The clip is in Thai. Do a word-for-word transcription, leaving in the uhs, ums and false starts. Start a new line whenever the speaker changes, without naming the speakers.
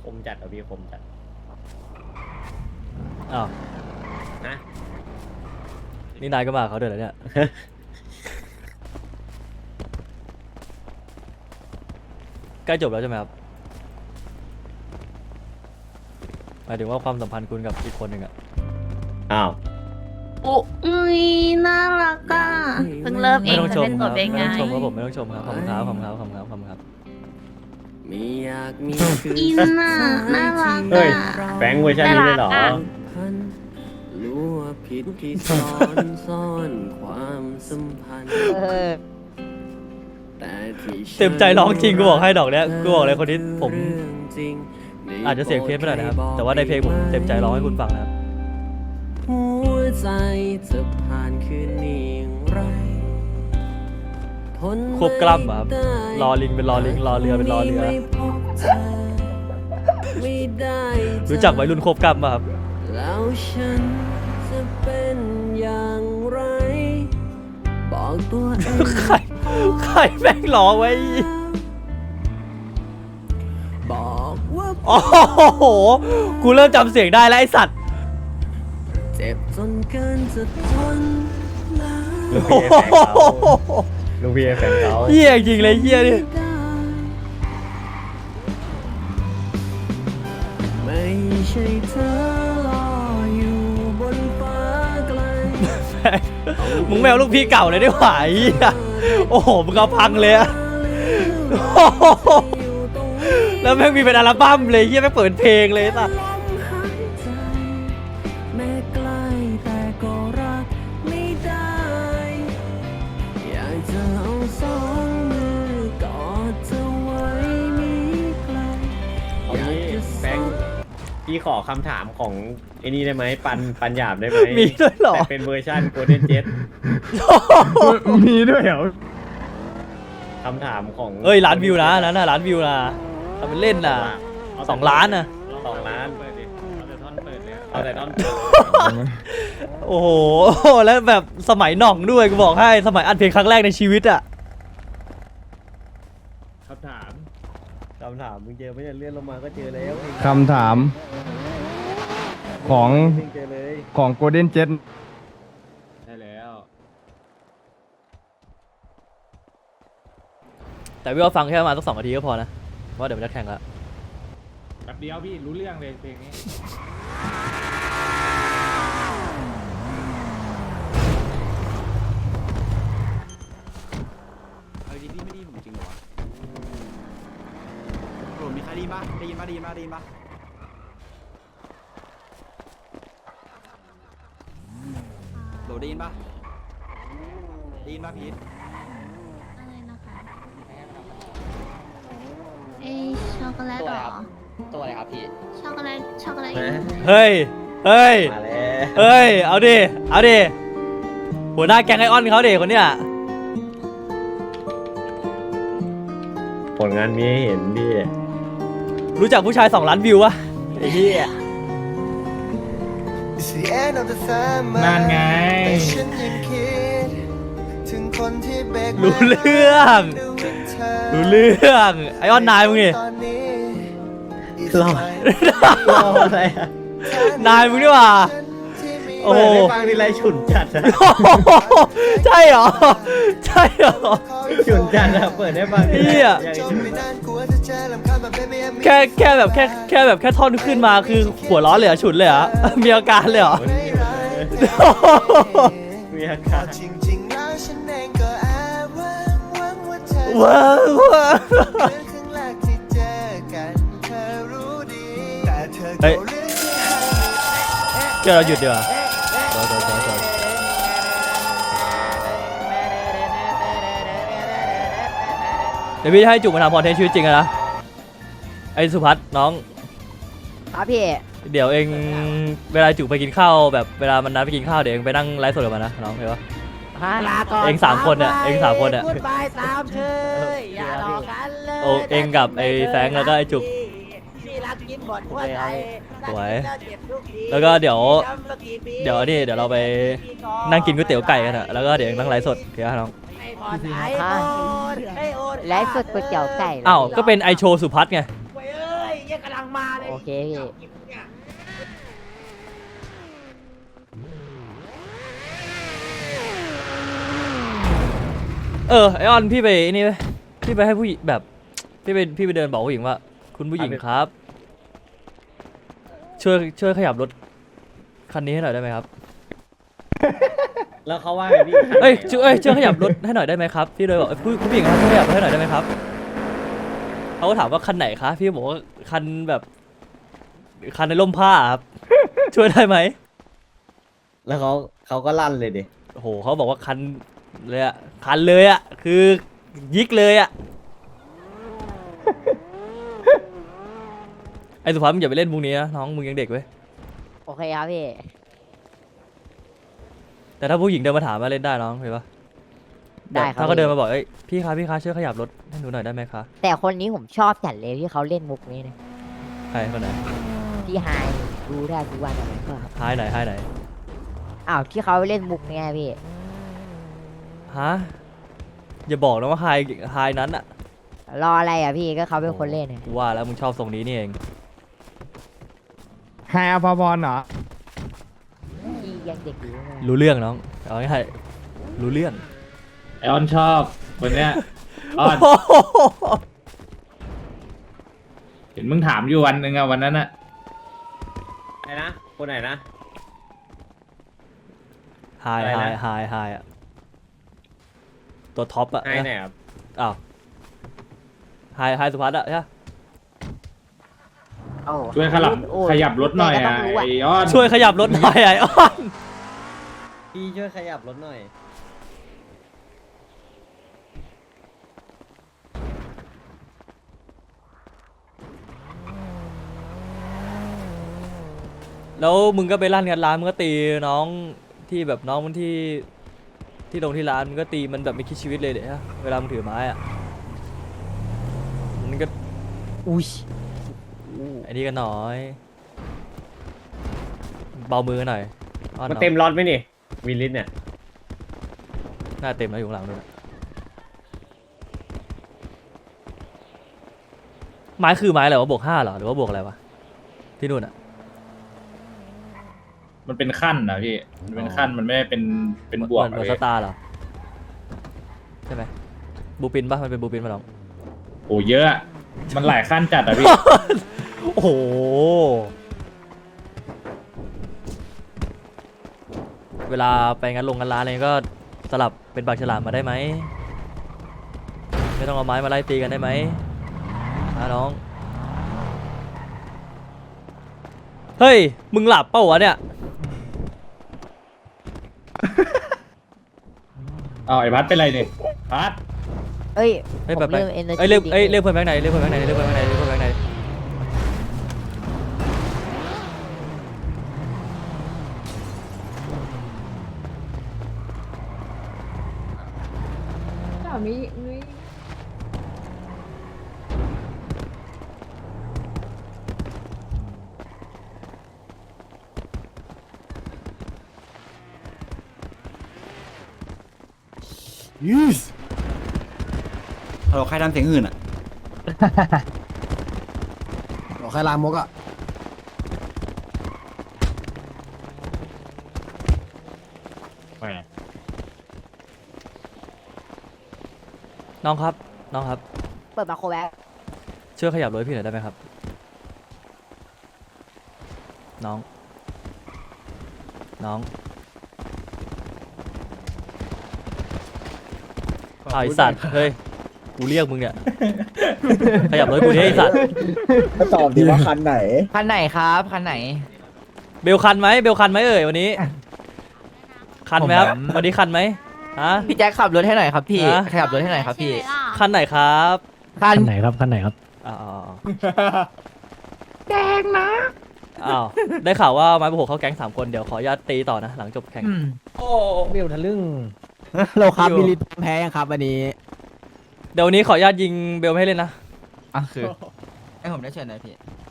คมจัดเอาพี่คมจัด
อ้าว
นะ
นี่นายก็มาเขาด้วยเหรอเนี่ย ใกล้จบแล้วใช่ไหมครับหมายถึงว่าความสัมพันธ์คุณกับอีกคนหนึ่งอะ
อ้าว
โอ้ยน่ารักอ่ะ
เพิ่งเริ่มเอ
ไม่
ง
ต้องช
จะ
ม
เป็น
ค
ตั
รั
ว
บ
เอง
ไม่
ไง
ต้องชมครับผมไม่ต้องชมครับขอบคุณครับขอบคุณครับขอบคุณครับขอบคุณครับ
ไม่อยากมีคื
อินน่ะน่ารัก
เฮ้ย
อ่ะ
แฟงเวอร์ชันนี้เลยเหรอ
พันรู้ว่าผิดที่ซ้อนซ่อนความสัมพันธ์แต่ที่ฉัน
เต็มใจร้องจริงกูบอกให้ดอกเนี้ยกูบอกเลยคนนี้ผม
เรื่องจริง
อาจจะเสียงเพี้ยนไปหน่อยนะครับแต่ว่าในเพลงผมเต็มใจร้องให้คุณฟังนะครับ
หัวใจจะผ่านคืนนี้อย่างไรทน
ควบกล้ำอะครับรอลิงเป็นรอลิงรอเรือเป็นรอเรือ
ไม่พบเธอไม่ได้เจอ
รู้จักวัยรุ่นควบกล้ำป่ะครับ
แล้วฉันจะเป็นอย่างไร บอกตัวเอง
ใครใครแม่งร้องไว้
บอกว่า
โอ้โหกูเริ่มจำเสียงได้แล้วไอสัตว์
เจ็บจนเกินจะทนแล้ว
ลูก
โอ้
พี่แฟน
โห
เขาลูกพี่แฟนเขา
เหี้ยจริงเลยเหี้ยนี่
ไม่ใช่เธอรออยู่บนฟ้าไกล
มึงแมวลูกพี่เก่าเลยได้หว่าไอ้เหี้ยโอ้โหมึงเอาพังเลยอะโอ้โหแล้วแม่งมีเป็นอัลบั้มเลยเหี้ยแม่งเปิดเพลงเลยป่ะ
ลมหายใจแม้ใกล้แต่ก็รักไม่ได้ อยากจะเอาสองมือกอดเธอไว้มีใคร
เอา
อยาก
งี้
จะ
แฟงพี่ขอคำถามของไอ้นี่ได้ไหมปันปันหยาบได้ไหม
มีด้วยเหรอ
แต่เป็นเวอร์ชัน Golden Jet
มีด้วยเหรอ
คำถามของ
เอ้ยล้านวิวนะนั้นน่ะล้านวิวนะทำเป็นเล่นน่ะสองล้านน่ะ
สองล้านเปิดดิเอาแต่ท่อนเปิดเลยเอาแต่ท่อนเปิด
โอ้โหแล้วแบบสมัยหน่องด้วยกูบอกให้สมัยอัดเพลงครั้งแรกในชีวิตอะ
คำถามคำถามมึงเจอไม่ได้เลื่อนลงมาก็เจอแล้ว
คำถามของ
มึงเจอเลย
ของ Golden Jet
ใช่แล้ว
แต่พี่ว่าฟังแค่ประมาณสักสองนาทีก็พอนะเพราะเดี๋ยวมันจะแข่งละ
แป๊บเดียวพี่รู้เรื่องเลยเพลงนี้
เอาดีพี่ไม่ได้ยินผมจริงเหรอวะโหลมีใครได้ยินปะได้ยินปะได้ยินปะได้ยินปะโหลได้ยินปะได้ยินปะพีท
อะไรนะคะเอ้ช็อกโกแลตเหรอ
ตัวอะไรครับพี่
ช็อกโกแลตช็อกโกแลต
เฮ้ยเฮ้ย
มาแล้ว
เฮ้ยเอาดิเอาดิหัวหน้าแก๊งไอออนเขาเด็กคนเนี้ย
ผลงานมีให้เห็นพี่
รู้จักผู้ชายสองล้านวิววะไอ้เหี้ย
นั่นไง
รู้เรื่องรู้เรื่องไอออนนายมึงนี่
รอรออะไรอะ
นายมึงนี่หว่าโอ้
เปิ
โห
ดให้ฟังทีไรฉุนจัดอะ
ใช่เหรอใช่เหรอ
ฉุนจัดอะเปิดให้ฟังทีไร
เหี้ย
อย่างฉุน
แค่แค่แบบแค่แค่แบบแค่ท่อนขึ้นมาคือหัวร้อนเลยเหรอฉุนเลยเหรอมีอาการเลยเหรอ
มีอาการ
ว้าวว้าวเฮ้ยเดี๋ยวเราหยุดดีกว่าเดี๋ยวเดี๋ยวเดี๋ยวเดี๋ยวเดี๋ยวพี่จะให้จุกมาทำคอนเทนต์ชีวิตจริงอะนะไอ้สุพัฒน์น้อง
ครับพี่
เดี๋ยวเองเวลาจุกไปกินข้าวแบบเวลามันนัดไปกินข้าวเดี๋ยวเองไปนั่งไลฟ์สดกับมันนะน้องเห็นปะ
ลาก่อน
เองสามคนเนี่ยเองสามคนเนี่ย
พูดไปตามเธออย่าหลอกกันเลย
โอ้เองกับไอ้แฟรงค์แล้วก็ไอ้จุก
พี่รักกินบ่อนหัวใจ
สวย
รักกินแล้วเจ็บทุกที
แล้วก็เดี๋ยว
จำสักกี่ปี
เดี๋ยวนี่เดี๋ยวเราไปนั่งกินก๋วยเตี๋ยวไก่กันอะแล้วก็เดี๋ยวเองนั่งไลฟ์สดเดี๋ยวน้อง
ไม่พอใจโอนไม่โอน
ไลฟ์สดก๋วยเตี๋ยวไก่เหรอ
อ้าวก็เป็นไอโชว์สุพัฒน์ไง
เว้ยเอ้ยแยหี้ยกำลังมาเลย
โอเคพี่
เนี่ย
เออไอออนพี่ไปไอ้นี่ไปพี่ไปให้ผู้หญิงแบบพี่ไปพี่ไปเดินบอกผู้หญิงว่า คุณผู้หญิงครับ ช่วยช่วยขยับรถคันนี้ให้หน่อยได้ไหมครับ
แล้วเขาว่าไงพี่
เอ้ยช่วยเอ้ยช่วยขยับรถให้หน่อยได้ไหมครับพี่เลยบอกเอ้ยผู้คุณผู้หญิงครับช่วยขยับรถให้หน่อยได้ไหมครับเขาก็ถามว่าคันไหนคะพี่บอกว่าคันแบบคันในร่มผ้าครับ ช่วยได้ไหม
แล้วเขาเขาก็ลั่นเลยดิ
โอ้โหเขาบอกว่าคันเลยอะคันเลยอะคือยิกเลยอะไอสุภาพมึงอย่าไปเล่นมุกนี้นะน้องมึงยังเด็กเว้ย
โอเคครับพี่
แต่ถ้าผู้หญิงเดินมาถามมาเล่นได้น้องเห็นปะ
ได้ครับ
ถ้าเขาเดินมาบอกเอ้ยพี่คะพี่คะช่วยขยับรถให้หนูหน่อยได้ไหมคะ
แต่คนนี้ผมชอบจัดเลยที่เขาเล่นมุกนี้นะ
ใครคนไหน
พี่ไฮดูได้ทุกวันอะไรก็
หายไหนหายไหน
อ้าวที่เขาเล่นมุกเนี่ยพี่
ฮะอย่าบอกนะว่าไฮไฮนั้นอะ
รออะไรอ่ะพี่ก็เขาเป็นคนเล่นเนี่ย
กูว่าแล้วมึงชอบทรงนี้นี่เอง
แฮร์พอบอลเหรอ
พี่ยังเด็กอยู่เลย
รู้เรื่องน้องเอาง่ายๆรู้เรื่อง
ไอออนชอบคนเนี้ยออนเห็นมึงถามอยู่วันหนึ่งอะวันนั้นอะ
ไหนนะคนไหนนะ
ไฮ
อะไร
ไฮ
นะ
ไฮไฮอะตัวท็อปอะ
ไอ้ไหนครับ
อ้าวไฮไฮสุภัสอะใช่ปะ
โอ้
ช่วยขยับ
โอ้
ขยับรถหน่อย
แต่ก็
อะ
ต้งรู้
ไอออน
ช่วยขยับรถหน่อยไอออน
พี่ช่วยขยับรถหน่อย
แล้วมึงก็ไปลั่นกันร้านมึงก็ตีน้องที่แบบน้องมันที่ที่ลงที่ร้านมึงก็ตีมันแบบไม่คิดชีวิตเลยเดี๋ยวเวลามึงถือไม้อะมันก็
อุ้ย
ไอ้นี่กันหน่อย เบามือหน่อยอ้อน
มัน
น้อง
เต็มรถไหมนี่วิลลิสเนี่ย
หน้าเต็มแล้วอยู่ข้างหลังด้วยนะไม้คือไม้อะไรวะบวกห้าเหรอหรือว่าบวกอะไรวะที่นู่นอะ
มันเป็นขั้นนะพี่มันเป็นขั้นมันไม่ได้เป็นเป็นบวก
เหมือนเหมือน
เล
ส
ย
ตาร์เหรอใช่ไหมบูปินปะมันเป็นบูปินปะน้อง
โอ้เยอะอะมันหลายขั้นจัดอะพี่
โอ้โหเวลาไปงานลงงานร้านอะไรก็สลับเป็นปากฉลามมาได้ไหมไม่ต้องเอาไม้มาไล่ตีกันได้ไหมนะน้องเฮ้ยมึงหลับเปล่าวะเนี่ย
เอาไอ้พัดเป็นไรเนี่ยพัด
เอ้ย
เฮ้ย
ผ
แบบ
ม
ไป
เริ่มเอเนอร์
เอ้ย
จี
เรียกเอ้ยเรียกเพื่อนแบงค์ไหนเรียกเพื่อนแบงค์ไหนเรียกเพื่อนแบงค์ไหนเรียกเพื่อนแบงค์ไหน
ฮัลโหลใครทำเสียงอื่นอะ
บอกใครลามกอ่ะ
น้องครับน้องครับ
เปิดมาโคแบ็ก
ช่วยขยับรถให้พี่หน่อยได้ไหมครับ น้อง น้องอ้าวไอสัตว์ เฮ้ย กูเรียกมึงเนี่ย ขยับรถกูดิไอสัตว์
ก็ตอบดีว่าคันไหน
คันไหนครับคันไหน
เบลคันไหมเบลคันไหมเอ่ยวันนี้ คันไหมครับ วันนี้คันไหมฮะ
พี่แจ็คขับรถให้หน่อยครับพี่
ฮะ
ขยับรถให้หน่อยครับพี่
คันไหนครับ
คัน
ไหนครับคันไหนครับ
อ้าวแกงนะ อ้าว ได้ข่าวว่าไม้ประหกเข้าแก๊งสามคน เดี๋ยวขออนุญาตตีต่อนะ หลังจบแข่ง
โอ้
เบลทะลึ่ง
เราครับ
อยู่
มิลิตแพ้ยังครับวันนี้
เดี๋ยววันนี้ขออนุญาตยิงเบลไม่ให้เล่นนะ
อ่ะคือให้ผมได้เชิญหน่อยพี่